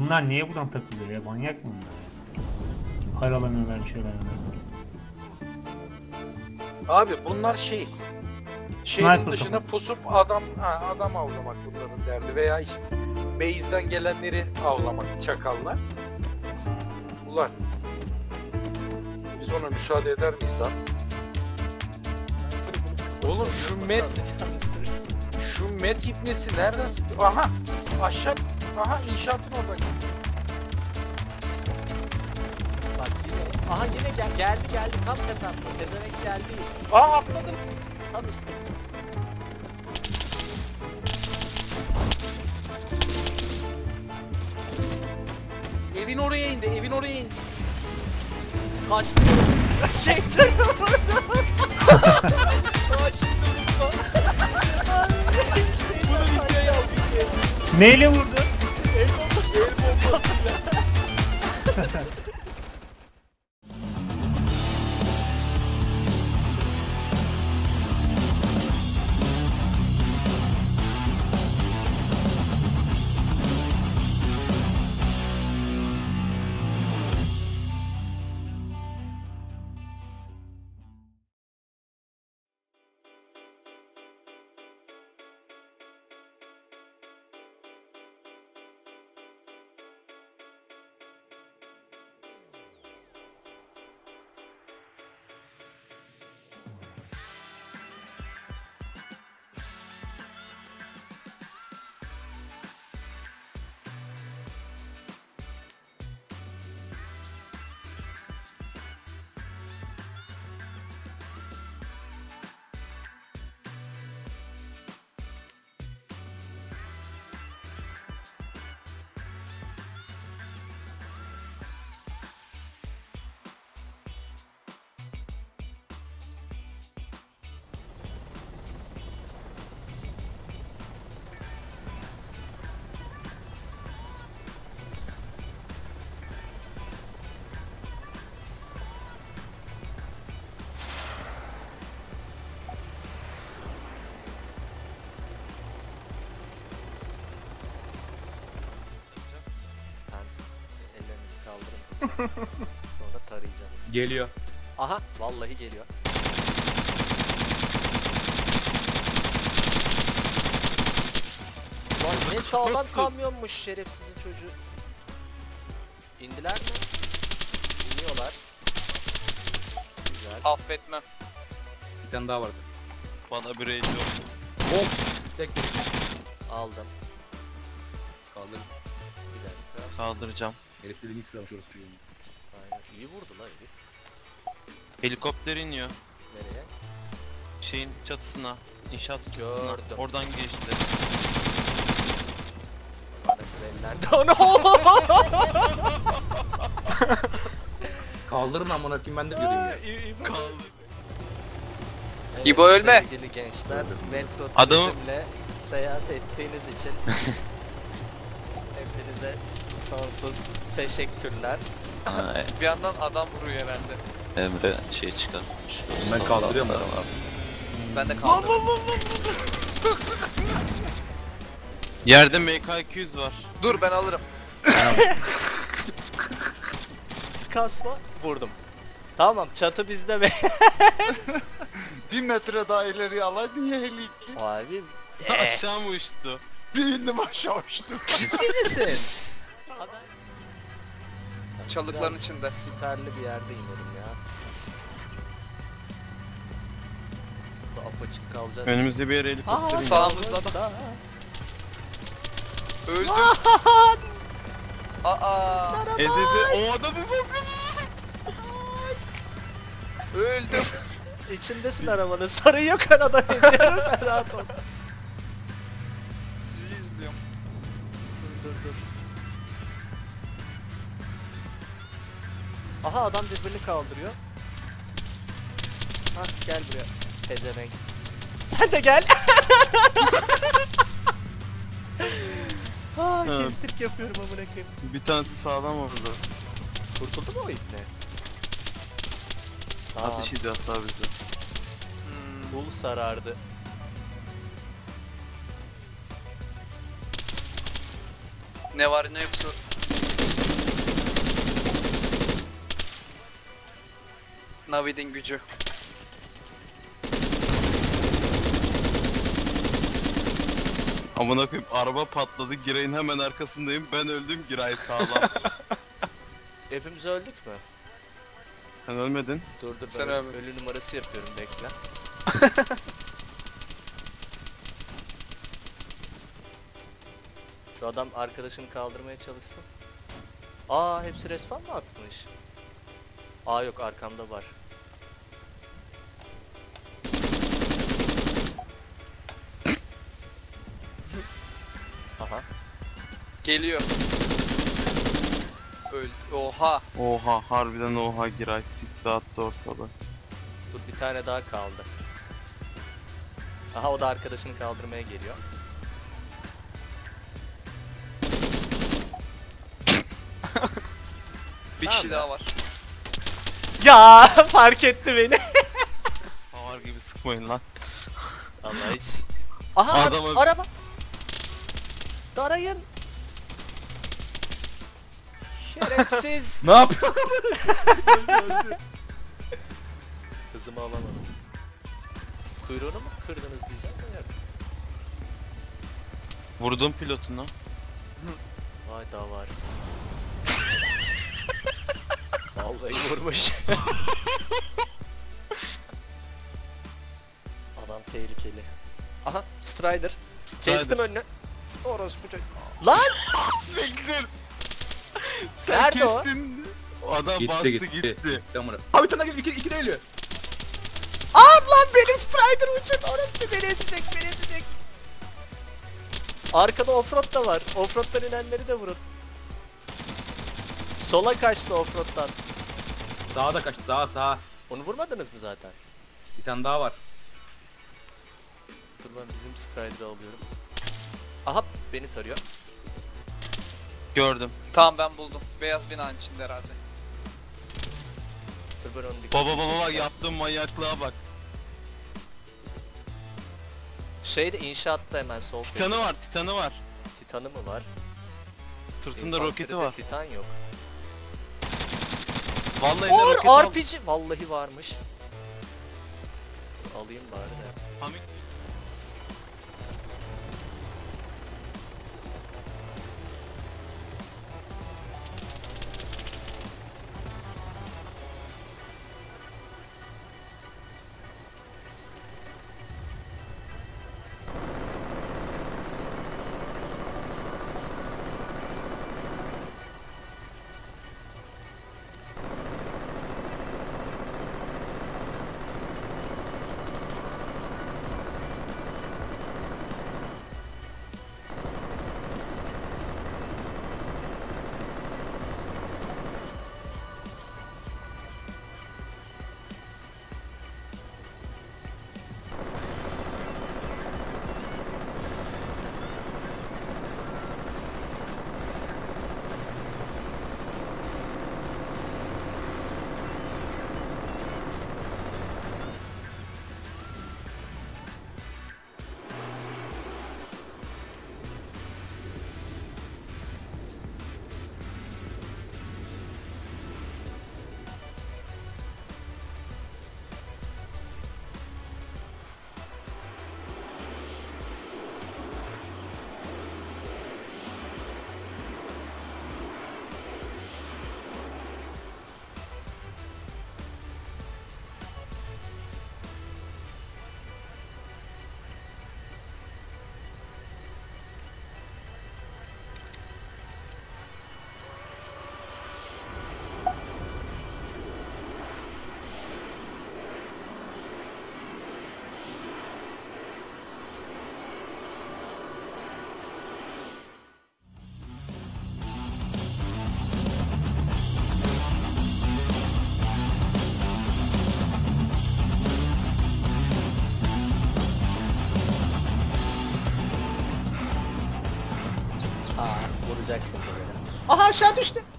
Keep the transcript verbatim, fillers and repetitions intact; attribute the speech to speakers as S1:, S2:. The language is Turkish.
S1: Bunlar niye buradan takılıyor ya? Manyak mı bunlar ya? Paralanıyorlar, bir şeyler yapıyorlar.
S2: Abi bunlar şey. Şehrin
S1: Sniper
S2: dışına
S1: kafa.
S2: pusup adam ha, adam avlamak bunların derdi veya işte base'den gelenleri avlamak çakallar. Ulan biz ona müsaade eder miyiz lan? Oğlum şu met şu met ipnesi nereden sıktı? Aha aşağı aha inşaatın orada.
S3: Bak yine. Aha yine gel geldi geldi tam tepemde. Pezevenk geldi.
S2: Aa atladım.
S3: Tam üstte.
S2: Evin oraya indi, evin oraya indi.
S3: Kaçtı. Çekti. Bunu videoya al videoya.
S1: Neyle vurdu?
S3: El bombası. El bombası. Ellerinizi kaldırın. Sonra tarayacaksınız.
S4: Geliyor.
S3: Aha vallahi geliyor. Lan ne sağlam kamyonmuş şerefsizin çocuğu. İndiler mi? İniyorlar. Güzel.
S5: Affetmem.
S4: Bir tane daha vardı.
S5: Bana bir rage yok.
S4: Of! Tek
S3: Aldım.
S4: kaldır.
S3: Bir dakika.
S5: Kaldıracağım.
S4: Herif dediğin ilk savaş orası çocuğun.
S3: Aynen. İyi vurdu lan herif.
S5: Helikopter iniyor.
S3: Nereye?
S5: Şeyin çatısına. İnşaat çatısına.
S3: Gördüm.
S5: Oradan geçti.
S3: Nasıl ellendi onu?
S4: Kaldırın amına koyayım ben de göreyim ya.
S5: Kaldı.
S3: Evet,
S5: İbo ölme.
S3: Sevgili gençler, metro
S5: Adamı-
S3: turizmle seyahat ettiğiniz için hepinize sonsuz teşekkürler.
S5: Bir yandan adam vuruyor herhalde.
S6: Emre şey çıkartmış.
S4: Ben kaldırıyorum da.
S5: Ben de kaldırdım. Yerde M K iki yüz var. Dur ben alırım.
S3: Kasma, vurdum. Tamam, çatı bizde be.
S7: Bir metre daha ileriye alaydın ya heli.
S3: Abi,
S5: Aşağı mı uçtu?
S7: Bir indim aşağı uçtum.
S3: ciddi misin?
S5: Çalıkların
S3: Biraz
S5: içinde.
S3: Siperli bir yerde inelim ya. Burada apaçık kalacağız.
S5: Önümüzde bir yere helikopter iniyor.
S3: sağımızda da.
S5: Öldüm. Aa. Ezezi. O adamı Öldüm.
S3: İçindesin arabanın, sarı yok arada eziyorum sen rahat ol.
S5: Sizi izliyorum.
S3: Dur dur dur. Aha adam birbirini kaldırıyor. Hah gel buraya. Pezevenk. Sen de gel. Aa
S5: Ha.
S3: kestirk yapıyorum amına koyayım.
S5: Bir tanesi sağlam oldu.
S3: Kurtuldu mu o ipne? Tamam.
S5: Ateş ediyor hatta bizi.
S3: Bul sarardı.
S5: Ne var ne yoksa
S8: Navid'in gücü.
S5: Amına koyayım araba patladı. Giray'ın hemen arkasındayım. Ben öldüm. Giray sağlam.
S3: Hepimiz öldük mü?
S5: Sen ölmedin.
S3: Dur dur
S8: Sen
S3: ben
S8: ölme.
S3: ölü numarası yapıyorum, bekle. Şu adam arkadaşını kaldırmaya çalışsın. Aa, hepsi respawn mı atmış? Aa yok, arkamda var. Aha.
S8: Geliyor. Öldü. Oha.
S5: Oha harbiden oha Giray. Sikti attı ortalığı.
S3: Dur, bir tane daha kaldı. Aha, o da arkadaşını kaldırmaya geliyor.
S8: Bir
S3: Tamam
S8: kişi
S3: ya.
S8: daha var.
S3: Ya fark etti beni.
S5: Havar gibi sıkmayın lan.
S3: Allah hiç. Aha,
S5: Adam öldü.
S3: araba. Darayın. Şerefsiz.
S4: Ne yapıyor?
S3: Hızımı alamadım. Kuyruğunu mu kırdınız diyeceğim de yani.
S5: Vurdum pilotuna.
S3: Vay daha var. Vallahi vurmuş. Adam tehlikeli. Aha, Strider. Kestim önünü. Orospu çocuk. Lan!
S5: Bekler. Sen
S3: Nerede o?
S5: kestin. O adam
S4: Gitti
S5: bastı
S4: gitti.
S5: gitti.
S4: gitti. Amına. Abi bir tane geliyor. İki, iki de geliyor.
S3: Aa lan, benim Strider uçun. Orospu beni ezecek, beni ezecek. Arkada offroad da var. Offroad'dan inenleri de vurun. Sola kaçtı offroad'dan.
S4: Sağa da kaçtı. Sağa sağa.
S3: Onu vurmadınız mı zaten?
S4: Bir tane daha var.
S3: Dur, ben bizim Strider'ı alıyorum. Aha, beni tarıyor.
S5: Gördüm.
S8: Tamam, ben buldum. Beyaz binanın içinde herhalde.
S3: Dur, ben onu
S5: Baba
S3: dikkatimi
S5: baba bak
S3: çekeceğim.
S5: yaptığım manyaklığa bak.
S3: Şeyde, inşaatta hemen sol
S5: Titanı var titanı var.
S3: Titanı mı var?
S5: Sırtında
S3: İnfanteride
S5: roketi var.
S3: Titan yok.
S5: Vallahi elinde roket
S3: Or
S5: var.
S3: R P G vallahi varmış. Dur, alayım bari de.
S5: Hamit.
S3: Aa, vuracak şimdi beni. Aha, aşağı düştü.